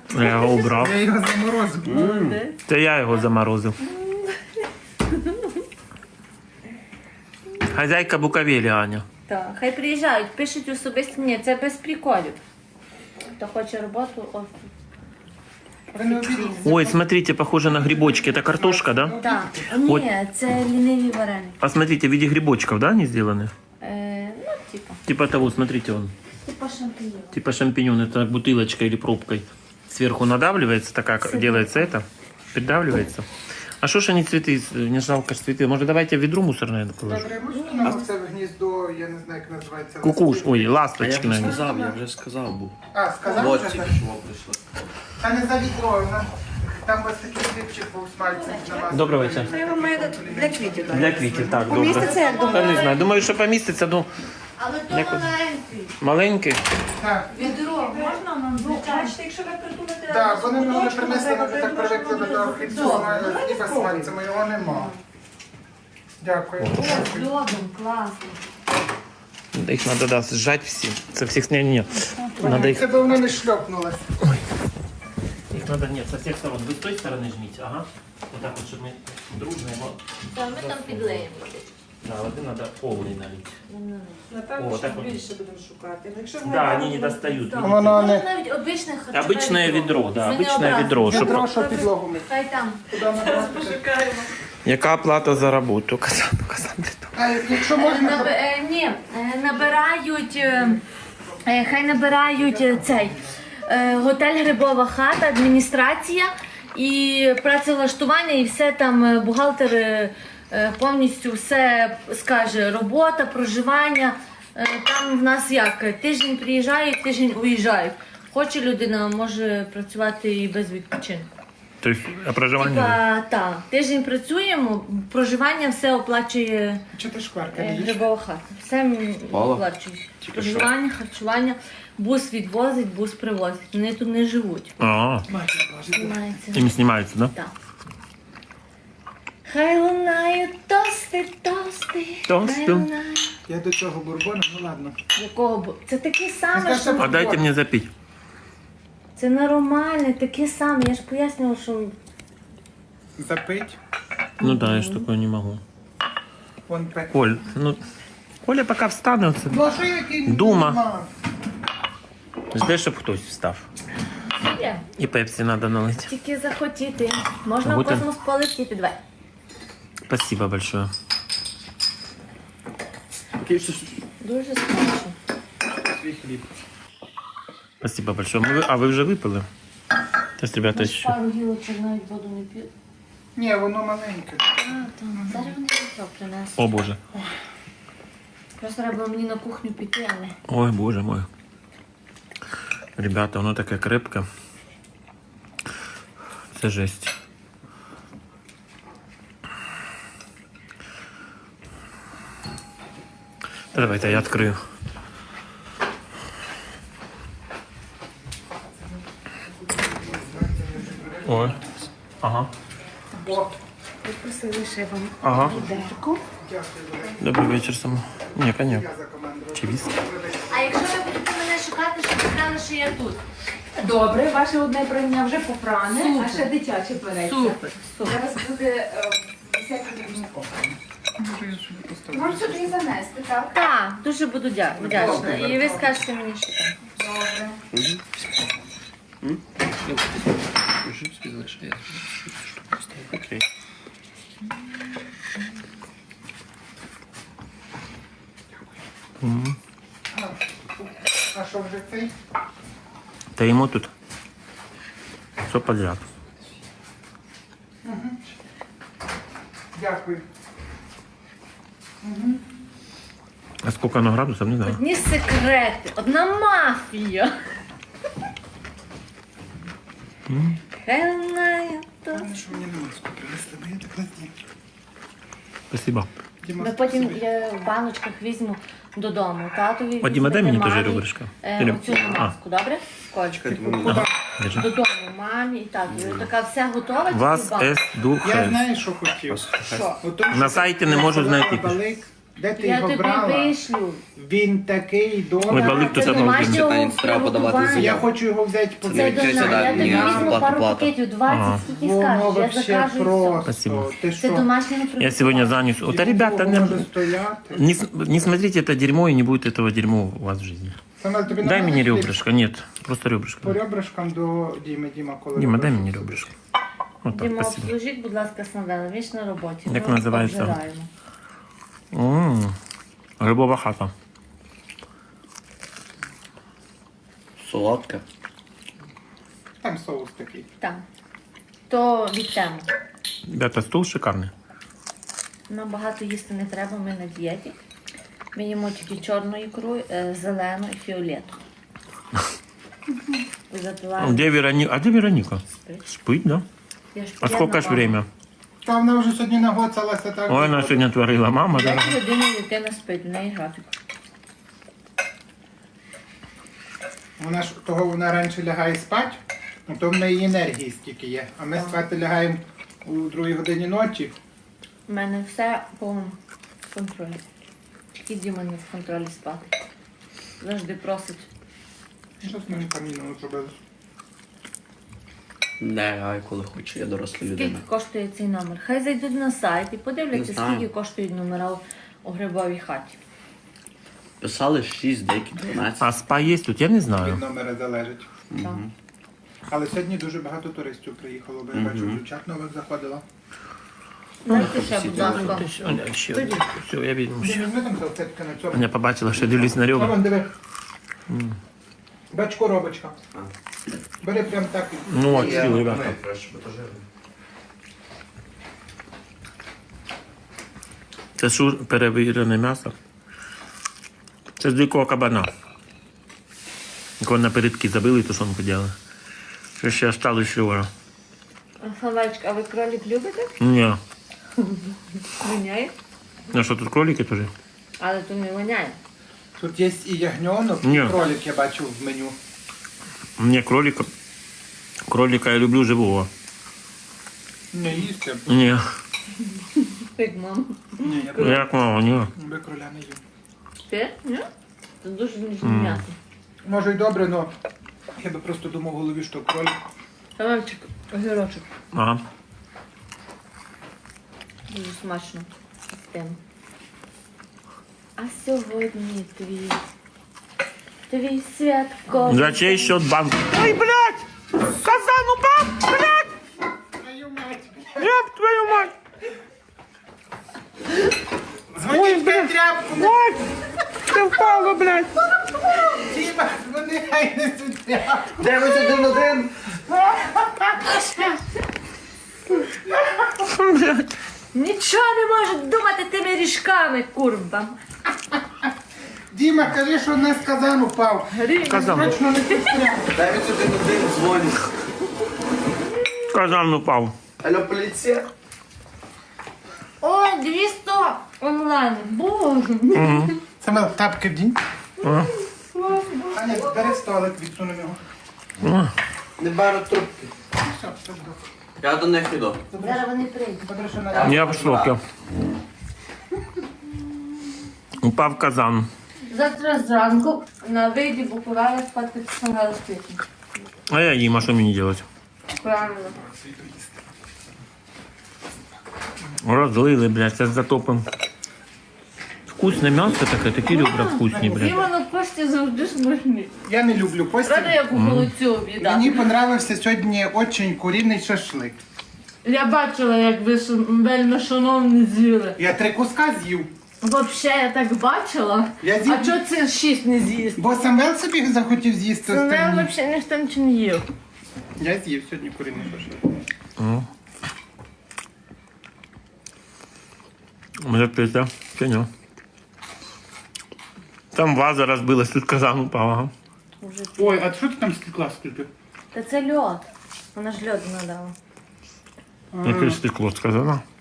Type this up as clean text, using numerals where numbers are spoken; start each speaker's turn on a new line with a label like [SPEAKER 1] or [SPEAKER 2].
[SPEAKER 1] Я його убрав.
[SPEAKER 2] Я його заморозив.
[SPEAKER 1] Це я його заморозив. Хазяйка Буковелі, Аня.
[SPEAKER 3] Так, хай приїжджають, пишуть особисто. Ні, це без приколів. Хто хоче роботу, ось.
[SPEAKER 2] Ви не обідали?
[SPEAKER 1] Ой, смотрите, похоже на грибочки. Это картошка, да?
[SPEAKER 3] Так,
[SPEAKER 1] От.
[SPEAKER 3] ні, це ліниві вареники.
[SPEAKER 1] А смотрите, в виде грибочков, да, они сделаны?
[SPEAKER 3] Ну, типа.
[SPEAKER 1] Типа того, смотрите, он.
[SPEAKER 3] Типа шампіньон.
[SPEAKER 1] Типа шампиньон, это бутылочкой или пробкой. Сверху надавливается, так как делается это, придавливается. А что ж они цветы, не жалко ж цветы. Может, давайте в ведро мусорное положим?
[SPEAKER 2] Добре, можна нам це в гніздо, я не знаю, як називається.
[SPEAKER 1] Кукуш, ой,
[SPEAKER 4] А я
[SPEAKER 1] ласточки,
[SPEAKER 4] вже
[SPEAKER 1] наверное.
[SPEAKER 4] сказав, я вже сказав був.
[SPEAKER 2] А, сказав
[SPEAKER 4] Вот
[SPEAKER 2] вже
[SPEAKER 4] тільки
[SPEAKER 2] так?
[SPEAKER 4] що прийшло.
[SPEAKER 2] Та не за відро, там у вас такий хлібчик був смальцем на вас.
[SPEAKER 1] Доброго вечора.
[SPEAKER 5] Я вам маю для квітів дати.
[SPEAKER 1] Для квітів, так, добре.
[SPEAKER 5] Поміститься, як
[SPEAKER 1] Та
[SPEAKER 5] думаєте?
[SPEAKER 1] не знаю, думаю, що поміститься, ну,
[SPEAKER 3] Але то
[SPEAKER 1] Як от?
[SPEAKER 3] маленький.
[SPEAKER 1] маленький.
[SPEAKER 2] Так,
[SPEAKER 3] Відро можна нам
[SPEAKER 5] Бачите, якщо ви придумаєте...
[SPEAKER 2] так, вони мені принесли, ми вже так привикли до того хліба з смальцем, його нема. Дякую.
[SPEAKER 3] з льодом, класно.
[SPEAKER 1] Їх треба, да, зжать всі. Це всіх, ні. Надо їх,
[SPEAKER 2] Це б воно не шльопнулося.
[SPEAKER 1] їх надо, ні, со всіх сторон. Ви з тої сторони жміть, ага. Отак от, щоб ми дружно його.
[SPEAKER 3] Та ми там підлеємо.
[SPEAKER 1] Да, води треба повний налити. О,
[SPEAKER 5] Напевно,
[SPEAKER 1] так
[SPEAKER 5] що
[SPEAKER 1] от.
[SPEAKER 5] більше будемо шукати. Якщо
[SPEAKER 1] Да, вони не достають.
[SPEAKER 2] Воно
[SPEAKER 3] Можна
[SPEAKER 2] не...
[SPEAKER 3] навіть обичне харчове
[SPEAKER 1] Обичне відро, да,
[SPEAKER 3] Ми не
[SPEAKER 1] обичне
[SPEAKER 3] образимо.
[SPEAKER 1] відро. Щоб...
[SPEAKER 2] Відро, що підлогу ми.
[SPEAKER 3] Хай там.
[SPEAKER 2] Куди набрати?
[SPEAKER 1] Яка плата за роботу? Казан.
[SPEAKER 2] А якщо можна,
[SPEAKER 3] Ні, набирають, хай набирають цей готель Грибова хата, адміністрація і працевлаштування, і все там бухгалтер повністю все скаже, робота, проживання. Там в нас як, тиждень приїжджають, тиждень уїжджають. Хоче людина, може працювати і без відпочинку.
[SPEAKER 1] Тобто, а проживання?
[SPEAKER 3] Типа, так, тиждень працюємо, проживання все оплачує
[SPEAKER 2] чи ти шкварка їдеш?
[SPEAKER 3] Грибова хата. Все
[SPEAKER 4] Мало?
[SPEAKER 3] оплачують. Проживання, харчування, бус відвозить, бус привозить. Вони тут не живуть.
[SPEAKER 1] А,
[SPEAKER 3] Знімається.
[SPEAKER 1] їм знімається, да?
[SPEAKER 3] Так. Хай лунають тости, тости.
[SPEAKER 1] Тости.
[SPEAKER 3] Хай лунають.
[SPEAKER 2] Я до цього бурбону, ну ладно.
[SPEAKER 3] Якого бу- Це таке саме,
[SPEAKER 2] Скажи,
[SPEAKER 3] що...
[SPEAKER 1] А дайте мені запити.
[SPEAKER 3] Це нормальне, таке саме. Я ж пояснювала, що...
[SPEAKER 2] Запить.
[SPEAKER 1] Ну да, я ж такое не можу.
[SPEAKER 2] Вон пек.
[SPEAKER 1] Коль, ну, Коля поки встане, це
[SPEAKER 2] Ну а що який?
[SPEAKER 1] Дума.
[SPEAKER 2] Нема?
[SPEAKER 1] жде, щоб хтось встав.
[SPEAKER 3] Є.
[SPEAKER 1] І пепсі треба налити.
[SPEAKER 3] Тільки захотіти. Можна в
[SPEAKER 1] Будете?
[SPEAKER 3] космос полетіти. Давай.
[SPEAKER 1] Спасибо большое.
[SPEAKER 3] Дуже смачно.
[SPEAKER 4] Свій хліб.
[SPEAKER 1] Спасибо большое. А ви вже випили? Тобто, ребята, ще.
[SPEAKER 3] Пару гілочок навіть воду не п'ють.
[SPEAKER 2] Ні, воно маленьке.
[SPEAKER 3] Зараз вони відро принесуть.
[SPEAKER 1] О Боже.
[SPEAKER 3] Просто треба мені на кухню піти, але...
[SPEAKER 1] Ой, Боже мой. Ребята, воно таке крепке. Це жесть. Та давайте я відкрию. Ой. Ага.
[SPEAKER 5] Ви просили ще вам
[SPEAKER 1] Ага.
[SPEAKER 5] відерку.
[SPEAKER 1] Добрий вечір само. Ні, коня. Чи віск?
[SPEAKER 3] А якщо ви будете мене шукати, щоб сказали, що я тут?
[SPEAKER 5] Добре, ваше одне прання вже попране, а ще дитяче береться.
[SPEAKER 3] Супер.
[SPEAKER 5] Зараз буде 10 рівником. Можу сюди і занести, так?
[SPEAKER 3] Так, дуже буду вдячна. І ви скажете мені, що там.
[SPEAKER 5] Добре.
[SPEAKER 1] Окей.
[SPEAKER 2] А що вже цей?
[SPEAKER 1] Та йому тут все подряд.
[SPEAKER 2] Дякую.
[SPEAKER 1] А сколько оно градусов, не знаю.
[SPEAKER 3] Одні секрети, одна мафія. Хай лунає то.
[SPEAKER 2] Що мені на маску принесли, бо я так не знаю.
[SPEAKER 1] Спасибо.
[SPEAKER 2] Діма,
[SPEAKER 3] Ми потім я в баночках візьму додому. Татові
[SPEAKER 1] О, Діма, дай
[SPEAKER 3] візьмете,
[SPEAKER 1] мені теж
[SPEAKER 3] мамі,
[SPEAKER 1] ребрышко.
[SPEAKER 3] Оцю маску, добре? Кольчик.
[SPEAKER 1] Ага, держи.
[SPEAKER 3] Додому, мамі і татові. Така вся готова.
[SPEAKER 1] Вас
[SPEAKER 3] тільки в банку.
[SPEAKER 1] С
[SPEAKER 2] Я
[SPEAKER 1] духе.
[SPEAKER 2] знаю, що хотів.
[SPEAKER 5] Що?
[SPEAKER 2] От тому,
[SPEAKER 1] На
[SPEAKER 2] що
[SPEAKER 1] сайті не можу знайти.
[SPEAKER 2] Балик, Де ти
[SPEAKER 3] Я
[SPEAKER 2] його
[SPEAKER 3] тобі
[SPEAKER 2] брала?
[SPEAKER 3] вишлю.
[SPEAKER 2] Він такий
[SPEAKER 1] Ой,
[SPEAKER 2] добрий.
[SPEAKER 1] балик то
[SPEAKER 3] Це
[SPEAKER 1] одного
[SPEAKER 3] домашнього
[SPEAKER 4] Питання, треба подавати
[SPEAKER 3] приготування.
[SPEAKER 2] Я
[SPEAKER 4] заяву.
[SPEAKER 2] хочу його взяти по
[SPEAKER 3] Це
[SPEAKER 4] Це
[SPEAKER 3] до нас.
[SPEAKER 4] да,
[SPEAKER 3] Я тобі
[SPEAKER 4] ні,
[SPEAKER 3] візьму
[SPEAKER 4] плата,
[SPEAKER 3] пару
[SPEAKER 4] плата.
[SPEAKER 3] пакетів, 20,
[SPEAKER 1] Ага.
[SPEAKER 3] скільки
[SPEAKER 2] Воно
[SPEAKER 3] скажеш, я
[SPEAKER 2] вообще
[SPEAKER 3] закажу і все.
[SPEAKER 2] просто.
[SPEAKER 1] Спасибо.
[SPEAKER 2] Ти
[SPEAKER 3] Це
[SPEAKER 2] що?
[SPEAKER 3] домашнього приготування.
[SPEAKER 1] Я сегодня занес. Вот, а ребята,
[SPEAKER 2] Може
[SPEAKER 1] не,
[SPEAKER 2] стояти.
[SPEAKER 1] не смотрите это дерьмо, и не будет этого дерьма у вас в жизни.
[SPEAKER 2] Самел, тобі
[SPEAKER 1] Дай
[SPEAKER 2] нормально
[SPEAKER 1] мне
[SPEAKER 2] хліб?
[SPEAKER 1] ребрышко. Нет, просто ребрышко.
[SPEAKER 2] По ребрышкам до Діми. Діма, коли
[SPEAKER 1] Дима, дай
[SPEAKER 2] ребрышко
[SPEAKER 1] мне
[SPEAKER 2] собі.
[SPEAKER 1] ребрышко. Вот так,
[SPEAKER 3] Діма,
[SPEAKER 1] спасибо.
[SPEAKER 3] обслужіть, будь ласка, Самвела, він ж на роботі.
[SPEAKER 1] Як
[SPEAKER 3] Ми
[SPEAKER 1] називається?
[SPEAKER 3] обжираємо.
[SPEAKER 1] Грибова хата.
[SPEAKER 4] Солодке.
[SPEAKER 2] Там соус такий.
[SPEAKER 3] Так. То від теми.
[SPEAKER 1] Ребята, стол шикарный.
[SPEAKER 3] Нам багато їсти не треба, ми на дієті. Ми їмо тільки чорну ікру, зелену і фіолету. І запиваємо.
[SPEAKER 1] Где Вероника? А где Вероника?
[SPEAKER 3] Спить.
[SPEAKER 1] Спит, да?
[SPEAKER 3] Я ж
[SPEAKER 1] А сколько ж
[SPEAKER 3] п'яна
[SPEAKER 1] время?
[SPEAKER 2] Та вона вже сьогодні нагоцалася так.
[SPEAKER 1] Ой, она сегодня творила. Мама,
[SPEAKER 3] мама.
[SPEAKER 1] да?
[SPEAKER 3] 5 годин дитина спить, в неї графік.
[SPEAKER 2] Вона ж того вона раніше лягає спати, то в неї енергії стільки є. А ми спати лягаємо у 2 годині ночі.
[SPEAKER 3] У мене все по контролі. Тільки Діма не в контролі спати. Завжди просить.
[SPEAKER 2] Що з моїм каміном зробили?
[SPEAKER 4] Не гай, коли хочу, я доросла
[SPEAKER 3] Скільки
[SPEAKER 4] людина.
[SPEAKER 3] коштує цей номер? Хай зайдуть на сайт і
[SPEAKER 4] Не
[SPEAKER 3] подивляться,
[SPEAKER 4] знаю.
[SPEAKER 3] скільки коштують номера у грибовій хаті.
[SPEAKER 4] Писали 6, деякі 12.
[SPEAKER 1] А спа есть тут? Я не
[SPEAKER 2] Від
[SPEAKER 1] знаю.
[SPEAKER 2] номера залежить.
[SPEAKER 3] Так.
[SPEAKER 2] Але сьогодні дуже багато туристів приїхало, бо я бачу, дівчат нових заходило.
[SPEAKER 3] Дайте ще, будь ласка.
[SPEAKER 1] Все, я видел.
[SPEAKER 2] Ти візьми там салфетки на цьому.
[SPEAKER 1] Меня побачила, що я дивлюсь на
[SPEAKER 2] А
[SPEAKER 1] ребра.
[SPEAKER 2] вон, диви. Бач, коробочка. Бери прям так.
[SPEAKER 1] Ну, от, сил, ребята. Це шур перевірене м'ясо. Це з дикого кабана. Коли напередки забили, тушонку делали. Що ще осталось вчора.
[SPEAKER 3] Хавачка, а ви кролик любите?
[SPEAKER 1] Ні.
[SPEAKER 3] Воняє?
[SPEAKER 1] Ну що, тут кролики теж?
[SPEAKER 3] Але то не воняє.
[SPEAKER 2] Тут є і ягньонок,
[SPEAKER 1] Ні.
[SPEAKER 2] і кролик я бачу в меню.
[SPEAKER 1] Ні, кролика. Кролика я люблю живого.
[SPEAKER 2] Не їсти.
[SPEAKER 1] Ні.
[SPEAKER 3] Як мама.
[SPEAKER 2] Ні, я
[SPEAKER 1] Як мало, ні.
[SPEAKER 2] би кроля не їм.
[SPEAKER 3] Ти? Ні? Це дуже ніжне м'ясо.
[SPEAKER 2] Може й добре, але я би просто думав в голові, що кролик.
[SPEAKER 3] Хавачик, огірочок.
[SPEAKER 1] Ага.
[SPEAKER 3] Дуже смачно. з тим. А сьогодні твій святковий.
[SPEAKER 1] За чей счет банк? Ой, блядь! Казан упал! Блядь!
[SPEAKER 2] Твою мать!
[SPEAKER 1] Ёб твою мать!
[SPEAKER 2] Дзвоніть на тряпку!
[SPEAKER 1] Ой! Ты впала, блядь!
[SPEAKER 2] Діма, дзвони, хай несуть тряпку!
[SPEAKER 4] 911!
[SPEAKER 1] Блядь!
[SPEAKER 3] Нічого не можуть думати тими ріжками, курва.
[SPEAKER 2] Діма, кажи, що не з казан упав.
[SPEAKER 1] Казан.
[SPEAKER 2] Точно не тут тряпку.
[SPEAKER 4] 911 дзвонить.
[SPEAKER 1] Казан упал.
[SPEAKER 4] Алло, поліція?
[SPEAKER 3] Ой, 200 онлайн. Боже.
[SPEAKER 2] Самел, тапки вдінь.
[SPEAKER 1] А.
[SPEAKER 2] Аня, бери столик, відсунемо його.
[SPEAKER 4] Не беру трубки.
[SPEAKER 2] Все, все добре.
[SPEAKER 4] Я до них йду.
[SPEAKER 3] Зараз вони прийдуть.
[SPEAKER 2] Добре, що на
[SPEAKER 1] Я в шоке. Упав казан.
[SPEAKER 3] Завтра зранку на вийді Буковеля спати самого світу.
[SPEAKER 1] А я їм, а що мені делать?
[SPEAKER 3] Правильно.
[SPEAKER 1] Розлили, блядь, зараз затопим. Вкусне м'ясо таке, такі ребра вкусні, блядь.
[SPEAKER 3] Івано кошти завжди смачні.
[SPEAKER 2] Я не люблю постіль.
[SPEAKER 3] Правда, як у холодцю віддати?
[SPEAKER 2] Мені понравився сьогодні очень курінний шашлик.
[SPEAKER 3] Я бачила, як ви вельми шановні з'їли.
[SPEAKER 2] Я 3 куска з'їв.
[SPEAKER 3] Взагалі, я так бачила.
[SPEAKER 2] Я з'їв.
[SPEAKER 3] А чого це 6 не з'їсти?
[SPEAKER 2] Бо Самвел собі захотів з'їсти
[SPEAKER 3] Це
[SPEAKER 2] останній.
[SPEAKER 3] взагалі ніхто нічого не їв.
[SPEAKER 2] Я з'їв сьогодні курінний шашлик.
[SPEAKER 1] Може пити, чи ні? Там ваза розбилась, тут казан упав, ага.
[SPEAKER 2] Ой, а що ти там стекла скільки?
[SPEAKER 3] Та це льод. Вона ж льоду надала.
[SPEAKER 1] Яке стекло з казана.